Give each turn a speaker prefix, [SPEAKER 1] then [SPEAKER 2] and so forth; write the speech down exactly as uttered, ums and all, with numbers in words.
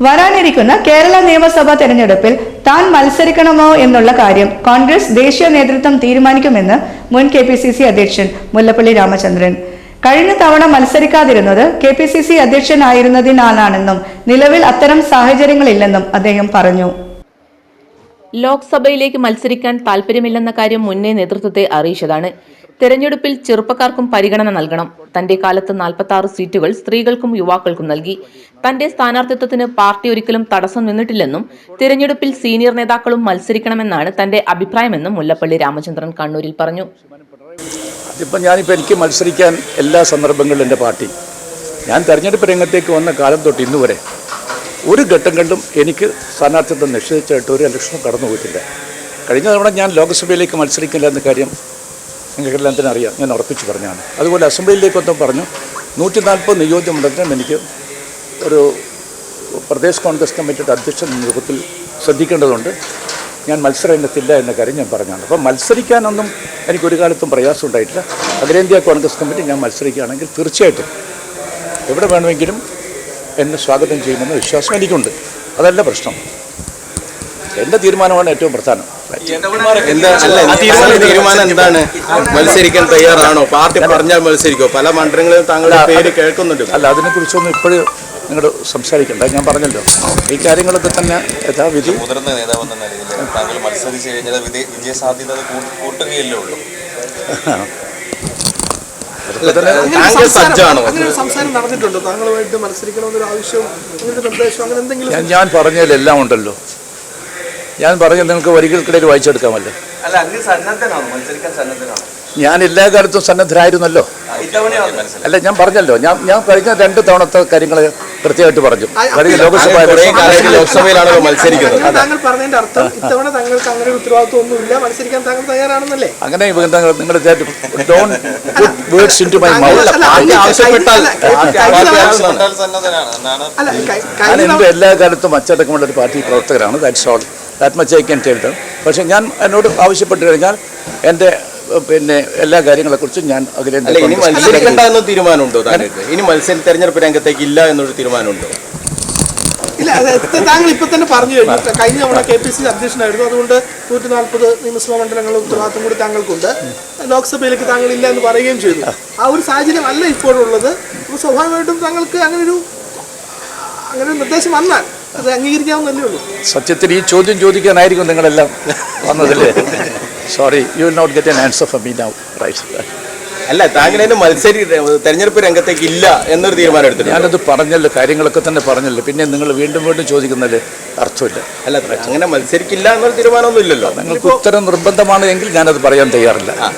[SPEAKER 1] വരാനിരിക്കുന്ന കേരള നിയമസഭാ തെരഞ്ഞെടുപ്പിൽ താൻ മത്സരിക്കണമോ എന്നുള്ള കാര്യം കോൺഗ്രസ് ദേശീയ നേതൃത്വം തീരുമാനിക്കുമെന്ന് മുൻ കെ പി സി സി അധ്യക്ഷൻ മുല്ലപ്പള്ളി രാമചന്ദ്രൻ. കഴിഞ്ഞ തവണ മത്സരിക്കാതിരുന്നത് കെ പി സി സി അധ്യക്ഷനായിരുന്നതിനാലാണെന്നും നിലവിൽ അത്തരം സാഹചര്യങ്ങളില്ലെന്നും അദ്ദേഹം പറഞ്ഞു.
[SPEAKER 2] ലോക്സഭയിലേക്ക് മത്സരിക്കാൻ താൽപര്യമില്ലെന്ന കാര്യം മുന്നേ നേതൃത്വത്തെ അറിയിച്ചതാണ്. തെരഞ്ഞെടുപ്പിൽ ചെറുപ്പക്കാർക്കും പരിഗണന നൽകണം. തന്റെ കാലത്ത് നാൽപ്പത്തി ആറ് സീറ്റുകൾ സ്ത്രീകൾക്കും യുവാക്കൾക്കും നൽകി. തന്റെ സ്ഥാനാർത്ഥിത്വത്തിന് പാർട്ടി ഒരിക്കലും തടസ്സം നിന്നിട്ടില്ലെന്നും തിരഞ്ഞെടുപ്പിൽ സീനിയർ നേതാക്കളും മത്സരിക്കണമെന്നാണ് തന്റെ അഭിപ്രായമെന്നും മുല്ലപ്പള്ളി രാമചന്ദ്രൻ കണ്ണൂരിൽ പറഞ്ഞു.
[SPEAKER 3] അതിപ്പോൾ ഞാനിപ്പോൾ എനിക്ക് മത്സരിക്കാൻ എല്ലാ സന്ദർഭങ്ങളിലും എൻ്റെ പാർട്ടി ഞാൻ തെരഞ്ഞെടുപ്പ് രംഗത്തേക്ക് വന്ന കാലം തൊട്ട് ഇന്ന് വരെ ഒരു ഘട്ടങ്ങളിലും എനിക്ക് സ്ഥാനാർത്ഥിത്വം നിശ്ചയിച്ചായിട്ട് ഒരു ഇലക്ഷനും കടന്നു പോയിട്ടില്ല. കഴിഞ്ഞ തവണ ഞാൻ ലോക്സഭയിലേക്ക് മത്സരിക്കില്ല എന്ന കാര്യം നിങ്ങൾക്കെല്ലാം തന്നെ അറിയാം, ഞാൻ ഉറപ്പിച്ച് പറഞ്ഞാണ്. അതുപോലെ അസംബ്ലിയിലേക്കൊന്നും പറഞ്ഞു നൂറ്റി നാൽപ്പത് നിയോജകമണ്ഡലത്തിനും എനിക്ക് ഒരു പ്രദേശ് കോൺഗ്രസ് കമ്മിറ്റിയുടെ അധ്യക്ഷൻ രൂപത്തിൽ ശ്രദ്ധിക്കേണ്ടതുണ്ട്. ഞാൻ മത്സരരംഗത്തില്ല എന്ന കാര്യം ഞാൻ പറഞ്ഞാണ്. അപ്പോൾ മത്സരിക്കാനൊന്നും എനിക്കൊരു കാലത്തും പ്രയാസം ഉണ്ടായിട്ടില്ല. അഖിലേന്ത്യാ കോൺഗ്രസ് കമ്മിറ്റി ഞാൻ മത്സരിക്കുകയാണെങ്കിൽ തീർച്ചയായിട്ടും എവിടെ വേണമെങ്കിലും എന്നെ സ്വാഗതം ചെയ്യുമെന്ന വിശ്വാസം എനിക്കുണ്ട്. അതല്ല പ്രശ്നം, എൻ്റെ തീരുമാനമാണ് ഏറ്റവും പ്രധാനം.
[SPEAKER 4] തീരുമാനം എന്താണ്? മത്സരിക്കാൻ തയ്യാറാണോ? പാർട്ടി പറഞ്ഞാൽ മത്സരിക്കോ? പല മണ്ഡലങ്ങളിലും താങ്കളുടെ പേര് കേൾക്കുന്നുണ്ട്.
[SPEAKER 3] അല്ല, അതിനെക്കുറിച്ചൊന്നും ഇപ്പോഴും നിങ്ങൾ സംസാരിക്കണ്ട. ഞാൻ പറഞ്ഞല്ലോ ഈ കാര്യങ്ങളൊക്കെ തന്നെ യഥാവിധി.
[SPEAKER 5] മുതിർന്ന നേതാവെന്ന നിലയിൽ താങ്കൾ മത്സരിച്ച് കഴിഞ്ഞാൽ വിജയ സാധ്യത കൂട്ടുകയല്ലേ ഉള്ളൂ.
[SPEAKER 3] ഞാൻ പറഞ്ഞതിലെല്ലാം ഉണ്ടല്ലോ. ഞാൻ പറഞ്ഞത് നിങ്ങൾക്ക് വരികൾക്കിടയിൽ വായിച്ചെടുക്കാമല്ലോ. ഞാൻ എല്ലാ കാലത്തും സന്നദ്ധരായിരുന്നല്ലോ. അല്ല, ഞാൻ പറഞ്ഞല്ലോ, ഞാൻ ഞാൻ കഴിഞ്ഞ രണ്ട് തവണത്തെ കാര്യങ്ങൾ കൃത്യമായിട്ട് പറഞ്ഞു. കഴിഞ്ഞ ലോക്സഭ
[SPEAKER 4] ലോക്സഭയിലാണല്ലോ മത്സരിക്കുന്നത്.
[SPEAKER 3] അങ്ങനെ നിങ്ങൾ വേർഡ്സ് ഇൻടു മൈ മൗത്ത്. ഞാൻ എൻ്റെ എല്ലാ കാലത്തും അച്ചടക്കമുള്ള ഒരു പാർട്ടി പ്രവർത്തകരാണ്. That's all. That much I can tell them. പക്ഷേ ഞാൻ എന്നോട് ആവശ്യപ്പെട്ട് കഴിഞ്ഞാൽ എൻ്റെ പിന്നെ എല്ലാ കാര്യങ്ങളെക്കുറിച്ചും ഞാൻ അഖിലേന്ത്യാ
[SPEAKER 4] ഇനി മത്സരിക്കേണ്ട എന്ന തീരുമാനമുണ്ടോ താങ്കൾക്ക്? ഇനി മത്സര തെരഞ്ഞെടുപ്പ് രംഗത്തേക്ക് ഇല്ല എന്നൊരു തീരുമാനമുണ്ടോ?
[SPEAKER 6] ഇല്ല, താങ്കൾ ഇപ്പൊ തന്നെ പറഞ്ഞു കഴിഞ്ഞു. കഴിഞ്ഞ തവണ കെ പി സി സി അധ്യക്ഷനായിരുന്നു. അതുകൊണ്ട് നൂറ്റി നാൽപ്പത് നിയമസഭാ മണ്ഡലങ്ങളുടെ ഉത്തരവാദിത്വം കൂടി താങ്കൾക്കുണ്ട്. ലോക്സഭയിലേക്ക് താങ്കൾ ഇല്ല എന്ന് പറയുകയും ചെയ്തു. ആ ഒരു സാഹചര്യം അല്ല ഇപ്പോഴുള്ളത്. അപ്പോൾ സ്വാഭാവികമായിട്ടും താങ്കൾക്ക് അങ്ങനൊരു അങ്ങനെ ഒരു നിർദ്ദേശം വന്നാൽ അത് അംഗീകരിക്കാവുന്നല്ലേ ഉള്ളൂ.
[SPEAKER 3] സത്യത്തിൽ ഈ ചോദ്യം ചോദിക്കാനായിരിക്കും നിങ്ങളെല്ലാം വന്നതല്ലേ? Sorry, you will not get an answer from me now. Right.
[SPEAKER 4] അല്ല, താങ്കൾ എന്നെ മത്സരി തെരഞ്ഞെടുപ്പ് രംഗത്തേക്ക് ഇല്ല എന്നൊരു തീരുമാനം എടുത്തു.
[SPEAKER 3] ഞാനത് പറഞ്ഞല്ലോ, കാര്യങ്ങളൊക്കെ തന്നെ പറഞ്ഞല്ലോ. പിന്നെ നിങ്ങൾ വീണ്ടും വീണ്ടും ചോദിക്കുന്നതിൽ അർത്ഥമില്ല.
[SPEAKER 4] അല്ല, അങ്ങനെ മത്സരിക്കില്ല എന്നൊരു തീരുമാനമൊന്നും ഇല്ലല്ലോ.
[SPEAKER 3] നിങ്ങൾക്ക് ഉത്തരം നിർബന്ധമാണ് എങ്കിൽ ഞാനത് പറയാൻ തയ്യാറില്ല.